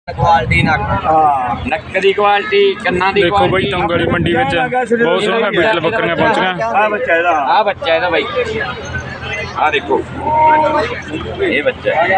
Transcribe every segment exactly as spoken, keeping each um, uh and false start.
Quality नक हाँ नक की क्वालिटी कन्ना दी देखो भाई तंग वाली मंडी में बहुत सोहना बीटल बकरियां पहुंच गया। आ बच्चा है आ बच्चा है भाई आ देखो ये बच्चा है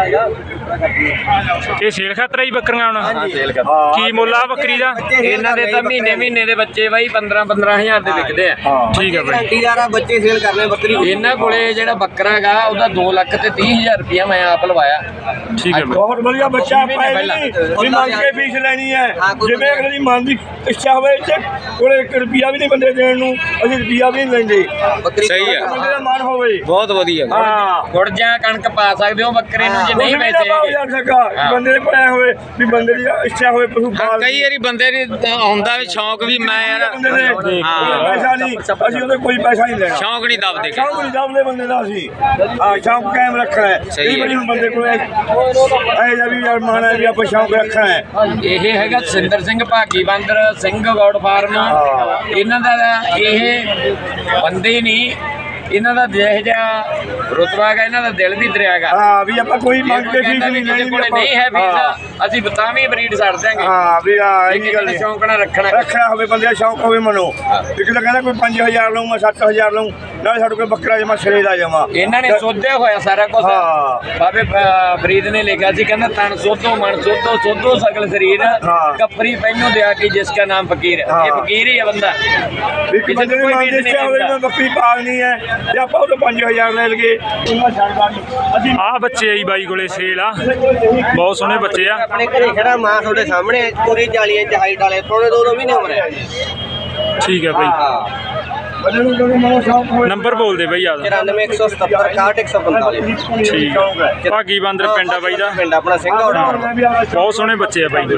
ये सेल खातर ही बकरियां होना हां सेल कर की मुੱਲ ਆ ਬੱਕਰੀ ਦਾ ਇਹਨਾਂ ਦੇ ਤਾਂ ਮਹੀਨੇ ਮਹੀਨੇ ਦੇ ਬੱਚੇ ਬਾਈ ਪੰਦਰਾਂ ਪੰਦਰਾਂ ਹਜ਼ਾਰ ਦੇ ਵਿਕਦੇ ਆ। ਠੀਕ ਹੈ ਬਾਈ ਗਾਰੰਟੀਦਾਰ ਬੱਚੇ ਸੇਲ ਕਰਨੇ ਬੱਕਰੀ ਇਹਨਾਂ ਕੋਲੇ ਜਿਹੜਾ ਬੱਕਰਾ ਹੈਗਾ ਉਹਦਾ ਦੋ ਲੱਖ ਤੇ ਤੀਹ ਹਜ਼ਾਰ ਰੁਪਇਆ ਮੈਂ ਆਪ ਲਵਾਇਆ। ਠੀਕ ਹੈ ਬਾਈ ਬਹੁਤ ਵਧੀਆ ਬੱਚਾ ਪਾਇਆ ਵੀ ਮੰਗ ਕੇ ਫੀਸ ਲੈਣੀ ਹੈ ਜਿਵੇਂ ਅਗਲੀ ਮਨ ਦੀ ਇੱਛਾ ਹੋਵੇ ਤੇ ਕੋਲੇ ਇੱਕ ਰੁਪਿਆ ਵੀ ਨਹੀਂ ਬੰਦੇ ਦੇਣ ਨੂੰ ਅਸੀਂ ਰੁਪਿਆ ਵੀ ਨਹੀਂ ਲੈਂਦੇ। ਬੱਕਰੀ ਸਹੀ ਹੈ ਬੰਦੇ ਦਾ ਮਨ ਹੋਵੇ ਬਹੁਤ ਵਧੀਆ ਹਾਂ ਗੁੜ ਜਾਂ ਕਣਕ ਪਾ ਸਕਦੇ ਹੋ ਬੱਕਰੇ ਨੂੰ ਜੇ ਨਹੀਂ ਪੈਸੇ ਬੰਦੇ ਦੇ ਪਾਇਆ ਹੋਵੇ ਵੀ ਬੰਦੇ ਦੀ ਇੱਛਾ ਹੋਵੇ ਪਸ਼ੂ ਪਾਲ ਕਈ ਵਾਰੀ ਬੰਦੇ ਦੀ ਹੁੰਦਾ ਵੀ ਸ਼ੌਂਕ ਵੀ ਮੈਂ ਯਾਰ ਹਾਂ ਪੈਸਾ ਨਹੀਂ ਅਸੀਂ ਉਹਦੇ ਕੋਈ ਪੈਸਾ ਨਹੀਂ ਲੈਣਾ ਸ਼ੌਂਕ ਨਹੀਂ ਦੱਬਦੇ ਸ਼ੌਂਕ ਨਹੀਂ ਦੱਬਦੇ ਬੰਦੇ ਦਾ ਅਸੀਂ ਹਾਂ ਸ਼ੌਂਕ ਕਾਇਮ ਰੱਖਣਾ ਹੈ। ਕਈ ਵਾਰੀ ਹੁਣ ਬੰਦੇ ਕੋਲ ਇਹ ਜਾਂ ਵੀ ਯਾਰ ਮਾਣਾ ਵੀ ਆਪਾਂ ਸ਼ੌਂਕ ਰੱਖਣਾ ਹੈ। ਇਹ ਹੈਗਾ ਸਿੰਦਰ ਸਿੰਘ ਭਾਗੀ ਬਾਂਦਰ ਸਿੰਘ ਗੌਡ ਫਾਰਮ ਇਹਨਾਂ ਦਾ ਇਹ ਬੰਦੇ ਨਹੀਂ ਇਹਨਾਂ ਦਾ ਜਿਹੋ ਜਿਹਾ ਰੁਤਬਾ ਹੈਗਾ ਇਹਨਾਂ ਦਾ ਦਿਲ ਵੀ ਦਰਿਆ ਹੈਗਾ। ਹਾਂ ਵੀ ਆਪਾਂ ਕੋਈ ਮੰਗ ਕੇ ਫੀਸ ਨਹੀਂ ਲੈਣੀ ਕੋਲੇ ਨਹੀਂ ਹੈ ਫੀਸ ਅਸੀਂ ਤਾਂ ਵੀ ਬਰੀਡ ਛੱਡ ਦਿਆਂਗੇ। ਹਾਂ ਵੀ ਹਾਂ ਇਹ ਗੱਲ ਨਹੀਂ ਸ਼ੌਂਕ ਨਾਲ ਰੱਖਣਾ ਰੱਖਣਾ ਹੋਵੇ ਬੰਦੇ ਦਾ ਸ਼ੌਂਕ ਹੋਵੇ ਮਨੋ ਇੱਕ ਤਾਂ ਕਹਿੰਦਾ ਕੋਈ ਪੰਜ ਹਜ਼ਾਰ ਲਊਂ ਮੈਂ ਸੱਤ ਹਜ਼ਾਰ ਲਊਂ ਨਾਲੇ ਸਾਡੇ ਕੋਲ ਬੱਕਰਾ ਜਮਾ ਸਿਰੇ ਦਾ ਜਮਾ ਇਹਨਾਂ ਨੇ ਸੋਧਿਆ ਹੋਇਆ ਸਾਰਾ ਕੁਝ। ਹਾਂ ਬਾਬੇ ਫਰੀਦ ਨੇ ਲਿਖਿਆ ਸੀ ਕਹਿੰਦਾ ਤਨ ਸੋਧੋ ਮਨ ਸੋਧੋ ਸੋਧੋ ਸਗਲ ਸਰੀਰ ਕਫਰੀ ਪਹਿਨੋ ਦਿਆ ਕਿ ਜਿਸ ਦਾ ਨਾਮ ਫਕੀਰ ਇਹ ਫਕੀਰ ਹੀ ਹੈ ਬੰਦਾ ਵੀ ਕਿਸੇ ਦੇ ਮਨ ਦੇ ਇੱਛਾ ਹੋਵੇ ਮੈਂ ਬੱਕਰੀ ਪਾਲਣੀ ਹੈ ਤੇ ਆਪਾਂ ਉਹ ਤੋਂ ਪੰਜ ਹਜ਼ਾਰ ਲੈ ਲਈਏ ਉਹਨਾਂ ਛੱਡਦਾ ਨਹੀਂ ਅਸੀਂ ਆ ਬੱਚੇ ਆਈ ਬਾਈ ਕੋਲੇ ਸੇਲ ਆ ਬਹੁਤ ਸੋਹਣੇ ਬੱਚੇ ਆ। ਆਪਣੇ ਘਰੇ ਖੜਾ ਮਾਂ ਤੁਹਾਡੇ ਸਾਹਮਣੇ ਪੂਰੀ ਚਾਲੀ ਇੰਚ ਹਾਈਟ ਵਾਲੇ ਥੋੜੇ ਦੋ ਦੋ ਮਹੀਨੇ ਉਮਰ ਹੈ। ਠੀਕ ਹੈ ਬਾਈ ਬੰਦੇ ਨੂੰ ਜਦੋਂ ਮਨੋ ਸ਼ੌਂਕ ਹੋਵੇ ਨੰਬਰ ਬੋਲ ਦੇ ਬਾਈ ਆ ਚੁਰਾਨਵੇਂ ਇੱਕ ਸੌ ਸਤੱਤਰ ਇਕਾਹਠ ਇੱਕ ਸੌ ਪੰਤਾਲੀ ਠੀਕ ਹੈ ਭਾਗੀ ਬਾਂਦਰ ਪਿੰਡ ਆ ਬਾਈ ਦਾ ਪਿੰਡ ਆਪਣਾ ਸਿੰਘ ਔਰ ਬਹੁਤ ਸੋਹਣੇ ਬੱਚੇ ਆ ਬਾਈ ਕੋਲੇ।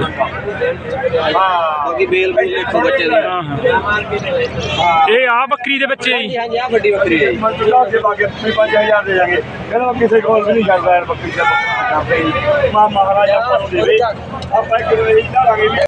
ਬਾਕੀ ਬੇਲ ਬੂਲ ਦੇਖੋ ਬੱਚੇ ਦੀ ਹਾਂ ਹਾਂ ਇਹ ਆ ਬੱਕਰੀ ਦੇ ਬੱਚੇ ਆ ਜੀ। ਹਾਂਜੀ ਆ ਵੱਡੀ ਬੱਕਰੀ ਹੈ ਜੀ। ਮੰਤਰਾ ਦੇ ਬਾਗੇ ਪੰਜ ਹਜ਼ਾਰ ਦੇ ਜਾਗੇ ਕਹਿੰਦਾ ਕਿਸੇ ਕੋਲ ਵੀ ਨਹੀਂ ਛੱਡਦਾ ਯਾਰ ਬੱਕਰੀ ਦਾ ਮਾਂ ਮਹਾਰਾਜਾ ਆਪਾਂ ਨੂੰ ਦੇਵੇ ਆਪਾਂ ਇੱਕ ਵਾਰੀ ਦਾਂਗੇ।